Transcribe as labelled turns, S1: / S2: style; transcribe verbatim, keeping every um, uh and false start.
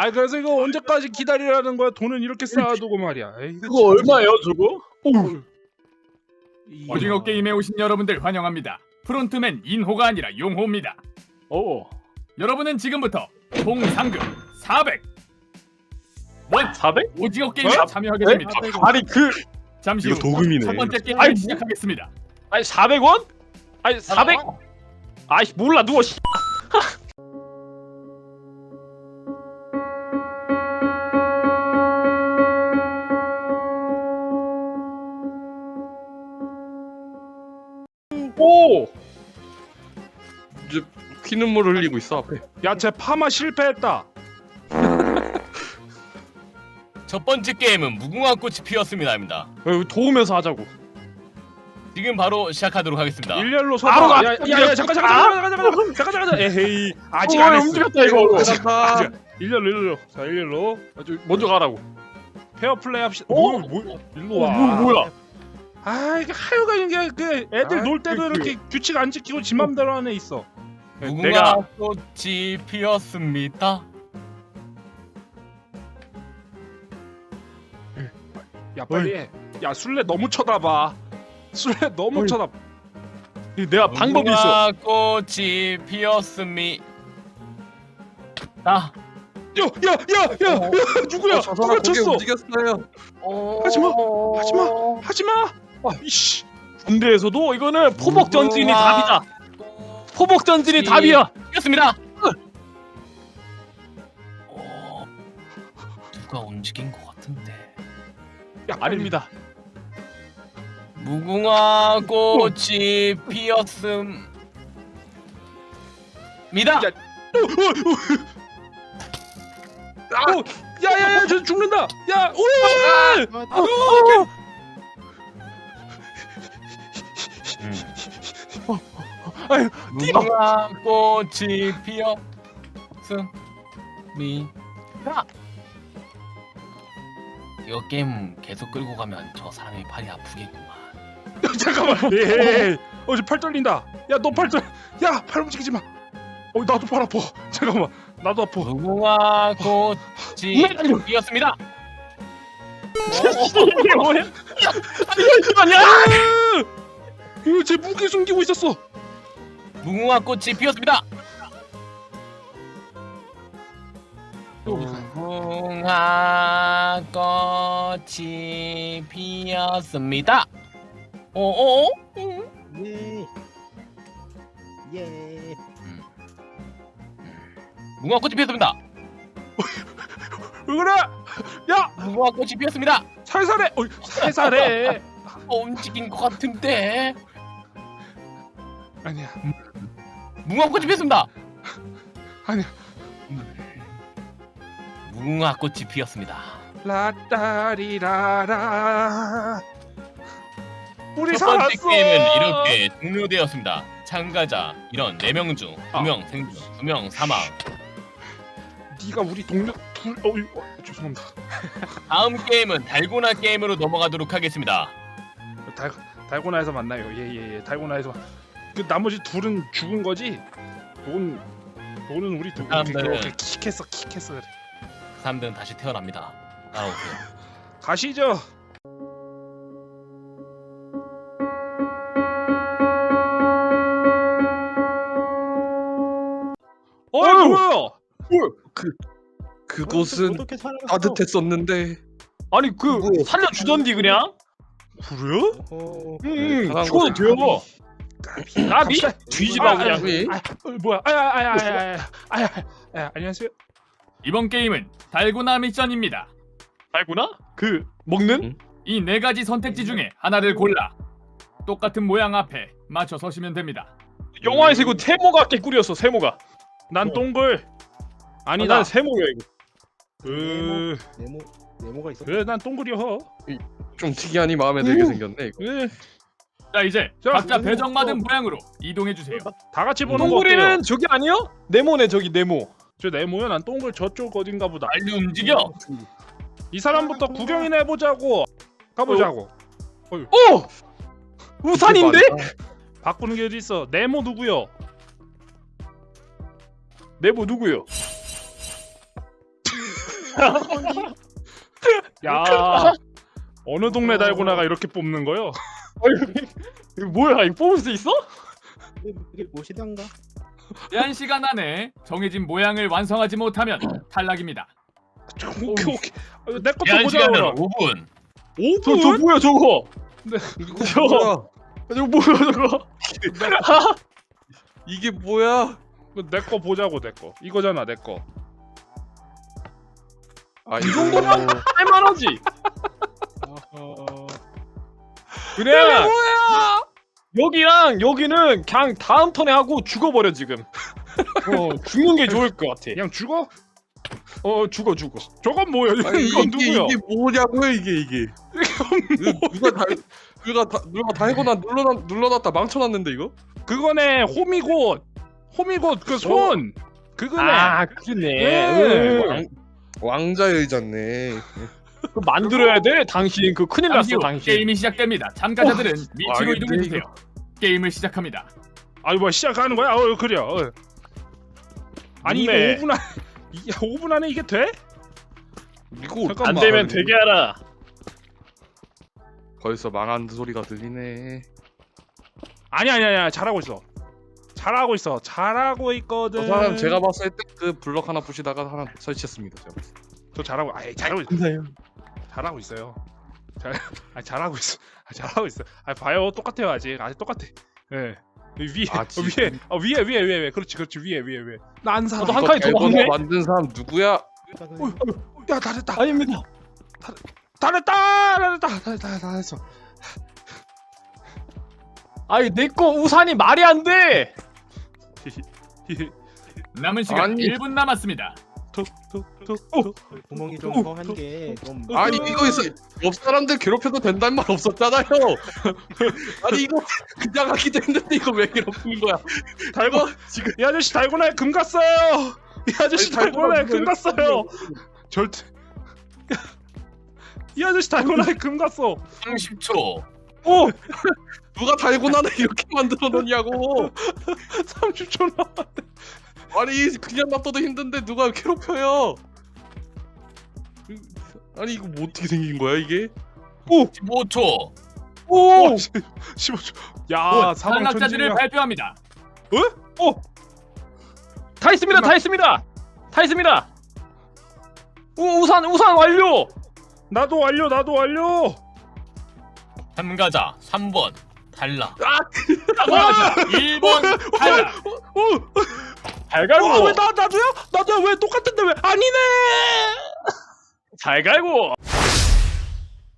S1: 아 그래서 이거 언제까지 기다리라는 거야? 돈은 이렇게 쌓아두고 말이야. 에이, 이거
S2: 그거
S1: 참-
S2: 얼마예요 저거? 오.
S1: 이야.
S3: 오징어 게임에 오신 여러분들 환영합니다. 프론트맨 인호가 아니라 용호입니다.
S2: 오.
S3: 여러분은 지금부터 총 상금 사백 원
S2: 사백?
S3: 오징어 게임에
S2: 어?
S3: 참여하게
S2: 네?
S3: 됩니다.
S2: 아니 그
S3: 잠시
S4: 이거
S3: 후
S4: 도금이네.
S3: 첫 번째 게임을
S2: 아이, 뭐-
S3: 시작하겠습니다.
S2: 아니 사백 원? 아니 사백? 아이씨 몰라 누워 씨. 오.
S4: 이제 피눈물 흘리고 있어 앞에.
S1: 야, 쟤 파마 실패했다.
S5: 첫 번째 게임은 무궁화 꽃이 피었습니다입니다.
S2: 어, 도우면서 하자고.
S5: 지금 바로 시작하도록 하겠습니다.
S1: 일렬로
S2: 바로
S1: 서봐.
S2: 가.
S1: 야, 야, 야, 잠깐, 잠깐, 잠깐, 잠깐, 잠깐, 잠깐, 잠깐, 잠깐. 에헤이, 아직
S2: 어,
S1: 안 했어.
S2: 움직였다 이거.
S1: 아직, 아직. 일렬로, 일렬로. 자, 일렬로.
S2: 아주 먼저 가라고.
S1: 페어 플레이 합시다.
S2: 어?
S1: 뭐, 뭐, 일로
S2: 어,
S1: 와.
S2: 뭐, 뭐야?
S1: 아, 이게 하여간 이게 그 애들
S2: 아,
S1: 놀 때도
S2: 그,
S1: 이렇게 규칙 안 지키고 지 맘대로 안에 있어.
S5: 무궁화
S2: 내가-
S5: 꽃이 피었습니다.
S1: 야, 빨리 해. 야, 술래 너무 쳐다봐. 술래 너무
S2: 어이.
S1: 쳐다봐.
S2: 내가 방법이 있어.
S5: 무궁화 꽃이 피었습니다.
S1: 야, 야, 야, 야, 야, 누구야?
S4: 어, 저 사람
S1: 누가
S4: 고개
S1: 쳤어?
S4: 움직였어요.
S1: 하지마, 하지마, 하지마. 아, 이씨.
S2: 군대에서도 이거는 포복 전진이
S5: 무궁화
S2: 답이다. 포복 전진이
S5: 이-
S2: 답이야.
S5: 피었습니다. 어, 누가 움직인 것 같은데.
S1: 야, 빨리.
S2: 아닙니다.
S5: 무궁화 꽃이 피었습니다.
S1: 야, 어, 야, 야, 야, 저 죽는다. 야, 오!
S2: 아유,
S5: 무궁화 꽃이 피었습니다. 이거 게임 계속 끌고 가면 저 사람이 팔이 아프겠구만.
S1: 잠깐만. 예. 어, 저 팔 떨린다. 야, 너 팔 떨. 야, 팔 움직이지 마. 어, 나도 팔 아파. 잠깐만. 나도 아파.
S5: 무궁화 꽃이 피었습니다.
S2: 이게 뭐야? 아니야.
S1: 이거 제 무기 숨기고 있었어.
S5: 무궁화 꽃이 피었습니다. 무궁화 꽃이 피었습니다. 오오?
S6: 예. 예.
S5: 무궁화 꽃이 피었습니다.
S1: 왜 그래? 야,
S5: 무궁화 꽃이 피었습니다.
S1: 살살해. 어, 살살해.
S5: 어, 움직인 것 같은데.
S1: 아니야.
S5: 무궁화 꽃이 피었습니다.
S1: 아니야.
S5: 무궁화 꽃이 피었습니다.
S1: 라따리라라. 우리
S5: 첫 번째
S1: 살았어.
S5: 게임은 이렇게 종료되었습니다. 참가자 이런 네 명 중 두 명 생존, 두 명 사망.
S1: 네가 우리 동료 둘. 어, 어, 죄송합니다.
S5: 다음 게임은 달고나 게임으로 넘어가도록 하겠습니다.
S1: 달 달고나에서 만나요. 예예예. 예. 달고나에서. 그 나머지 둘은 죽은 거지. 돈 돈은 우리 둘.
S5: 사람들은-
S1: 그렇게 킥했어 킥했어. 그래.
S5: 그 사람들은 다시 태어납니다. 따라오세요.
S1: 가시죠. 어이
S2: 어휴!
S1: 뭐야?
S4: 그 그곳은
S6: 어떻게 살아갔어?
S4: 따뜻했었는데.
S2: 아니 그
S4: 뭐야?
S2: 살려주던디 그냥.
S1: 그래요?
S6: 어,
S2: 응.
S4: 잘한
S2: 죽어도
S4: 거지.
S2: 돼요. 나비
S1: 갑시다.
S2: 뒤집어
S1: 아,
S2: 그냥.
S4: 왜?
S1: 아, 어, 뭐야? 아야 아야 아야 아야 아야. 아야 안녕하세요.
S3: 이번 게임은 달고나 미션입니다.
S2: 알구나? 그 먹는?
S4: 응?
S3: 이 네 가지 선택지 중에 하나를 골라 똑같은 모양 앞에 맞춰 서시면 됩니다.
S2: 영화에서 이거 세모가 개꿀이었어. 세모가.
S1: 난 동글.
S2: 아니
S1: 아니다.
S2: 난 세모야 이거.
S1: 그
S6: 네모 네모가 있어.
S1: 그래 난 동글이여.
S4: 좀 특이하니 마음에 들게 생겼네 이거.
S1: 예.
S3: 자 이제
S1: 자,
S3: 각자
S6: 이거
S3: 배정받은
S6: 또-
S3: 모양으로 이동해 주세요.
S1: 다 같이 보는 거 어때요?
S2: 동굴이는 저기 아니요? 네모네 저기 네모.
S1: 저 네모야. 난 동글 저쪽 어딘가 보다.
S5: 빨리 움직여.
S1: 이 사람부터 구경이나 해보자고. 가보자고.
S2: 오! 우산인데?
S1: 바꾸는 게 어디 있어? 네모 누구요?
S2: 네모 누구요?
S1: 야 어느 동네 달고나가 이렇게 뽑는 거요?
S2: 이거 뭐야? 이거 뽑을 수 있어?
S6: 이게 무엇이던가?
S3: 제한 시간 안에 정해진 모양을 완성하지 못하면 탈락입니다.
S1: 오케이 오케이. 내 것도
S5: 제한
S1: 보자.
S5: 시간은 오 분.
S1: 오
S2: 저, 저
S1: 분?
S2: 뭐야 저거?
S4: 이거
S2: 저-
S4: 뭐야?
S2: 저거 뭐야 저거?
S4: 이게 뭐야?
S1: 내 거 보자고 내 거. 이거잖아 내 거.
S4: 아,
S2: 이 정도면 할만하지.
S6: 어허.
S2: 그냥 여기랑 여기는 그냥 다음 턴에 하고 죽어버려 지금. 어 죽는 게 좋을 것 같아.
S1: 그냥 죽어?
S2: 어 죽어 죽어.
S1: 저건 뭐야?
S4: 아니,
S1: 이건
S4: 이게
S1: 누구야?
S4: 이게 뭐냐고요 이게 이게. 이거 누가 다 누가 다 누가 달고나 눌러놨 눌러놨다 망쳐놨는데 이거?
S1: 그거네 호미곶. 호미곶 그 손. 그거네.
S2: 아 그러네.
S1: 예.
S2: 응.
S4: 왕자의 의자네.
S2: 그거 만들어야 돼. 당신 그 큰일
S3: 잠시
S2: 났어
S3: 후
S2: 당신.
S3: 게임이 시작됩니다. 참가자들은 위치로
S4: 알겠네,
S3: 이동해 주세요. 게임을 시작합니다.
S1: 아니 뭐 시작하는 거야? 어 그래. 어. 아니 이거
S2: 맞네.
S1: 오 분 안 이- 오 분 안에 이게 돼?
S4: 이거
S1: 잠깐만.
S2: 안 되면 되게 하라.
S4: 벌써 망한 소리가 들리네.
S1: 아니 아니 아니 잘하고 있어. 잘하고 있어. 잘하고 있거든.
S4: 저 사람 제가 봤을 때 그 블럭 하나 부시다가 하나 설치했습니다. 제가 봤을 때.
S1: 저 잘하고 아이 잘하고 있어. 잘하고 있어요. 잘 아 잘하고 있어. 아 잘하고 있어. 아 봐요 똑같아요 아직 아직 똑같아. 예. 위에
S4: 아,
S1: 어,
S4: 지금.
S1: 위에 어 위에 위에 위에 위에 그렇지 그렇지 위에 위에 위에 나 안 살아.
S2: 나도 한
S4: 이거
S2: 칸이 더
S4: 달고나
S2: 많네?
S4: 만든 사람 누구야?
S1: 야 잘했다.
S2: 아닙니다.
S1: 잘했다. 잘했다. 잘했다. 잘했어.
S2: 아니 내 거 우산이 말이 안 돼.
S3: 남은 시간
S4: 아니.
S3: 일 분 남았습니다.
S1: 톡톡톡.
S6: 구멍이 좀 허한 게좀
S4: 아니 이거 있어. 옆 사람들 괴롭혀도 된다는 말 없었잖아요. 아니 이거 그냥 하기도 했는데 이거 왜 괴롭히는 거야? 달고 지금
S1: 이 아저씨 달고나에 금 갔어요. 이 아저씨
S4: 아니,
S1: 달고나에
S4: 달고나
S1: 금 갔어요. 절대. 이 아저씨 달고나에 금 갔어.
S5: 삼십 초.
S1: 오
S4: 누가 달고나를 이렇게 만들어 놓냐고.
S1: 삼십 초 나.
S4: 아니 그냥 놔둬도 힘든데 누가 괴롭혀요? 아니 이거 뭐 어떻게 생긴 거야 이게?
S5: 십오 초.
S1: 오 십오 초. 야
S3: 곧
S1: 사방
S3: 탈락자들을
S1: 전진이야.
S3: 발표합니다.
S2: 다 있습니다. 다 있습니다. 다 있습니다. 우, 우산 우산 완료.
S1: 나도 완료 나도 완료.
S5: 참가자 삼 번 탈락.
S3: 참가자 일 번 탈락.
S1: 오.
S2: 잘 갈고.
S1: 어, 왜나 나도야? 나도야 왜 똑같은데 왜 아니네.
S2: 잘 갈고.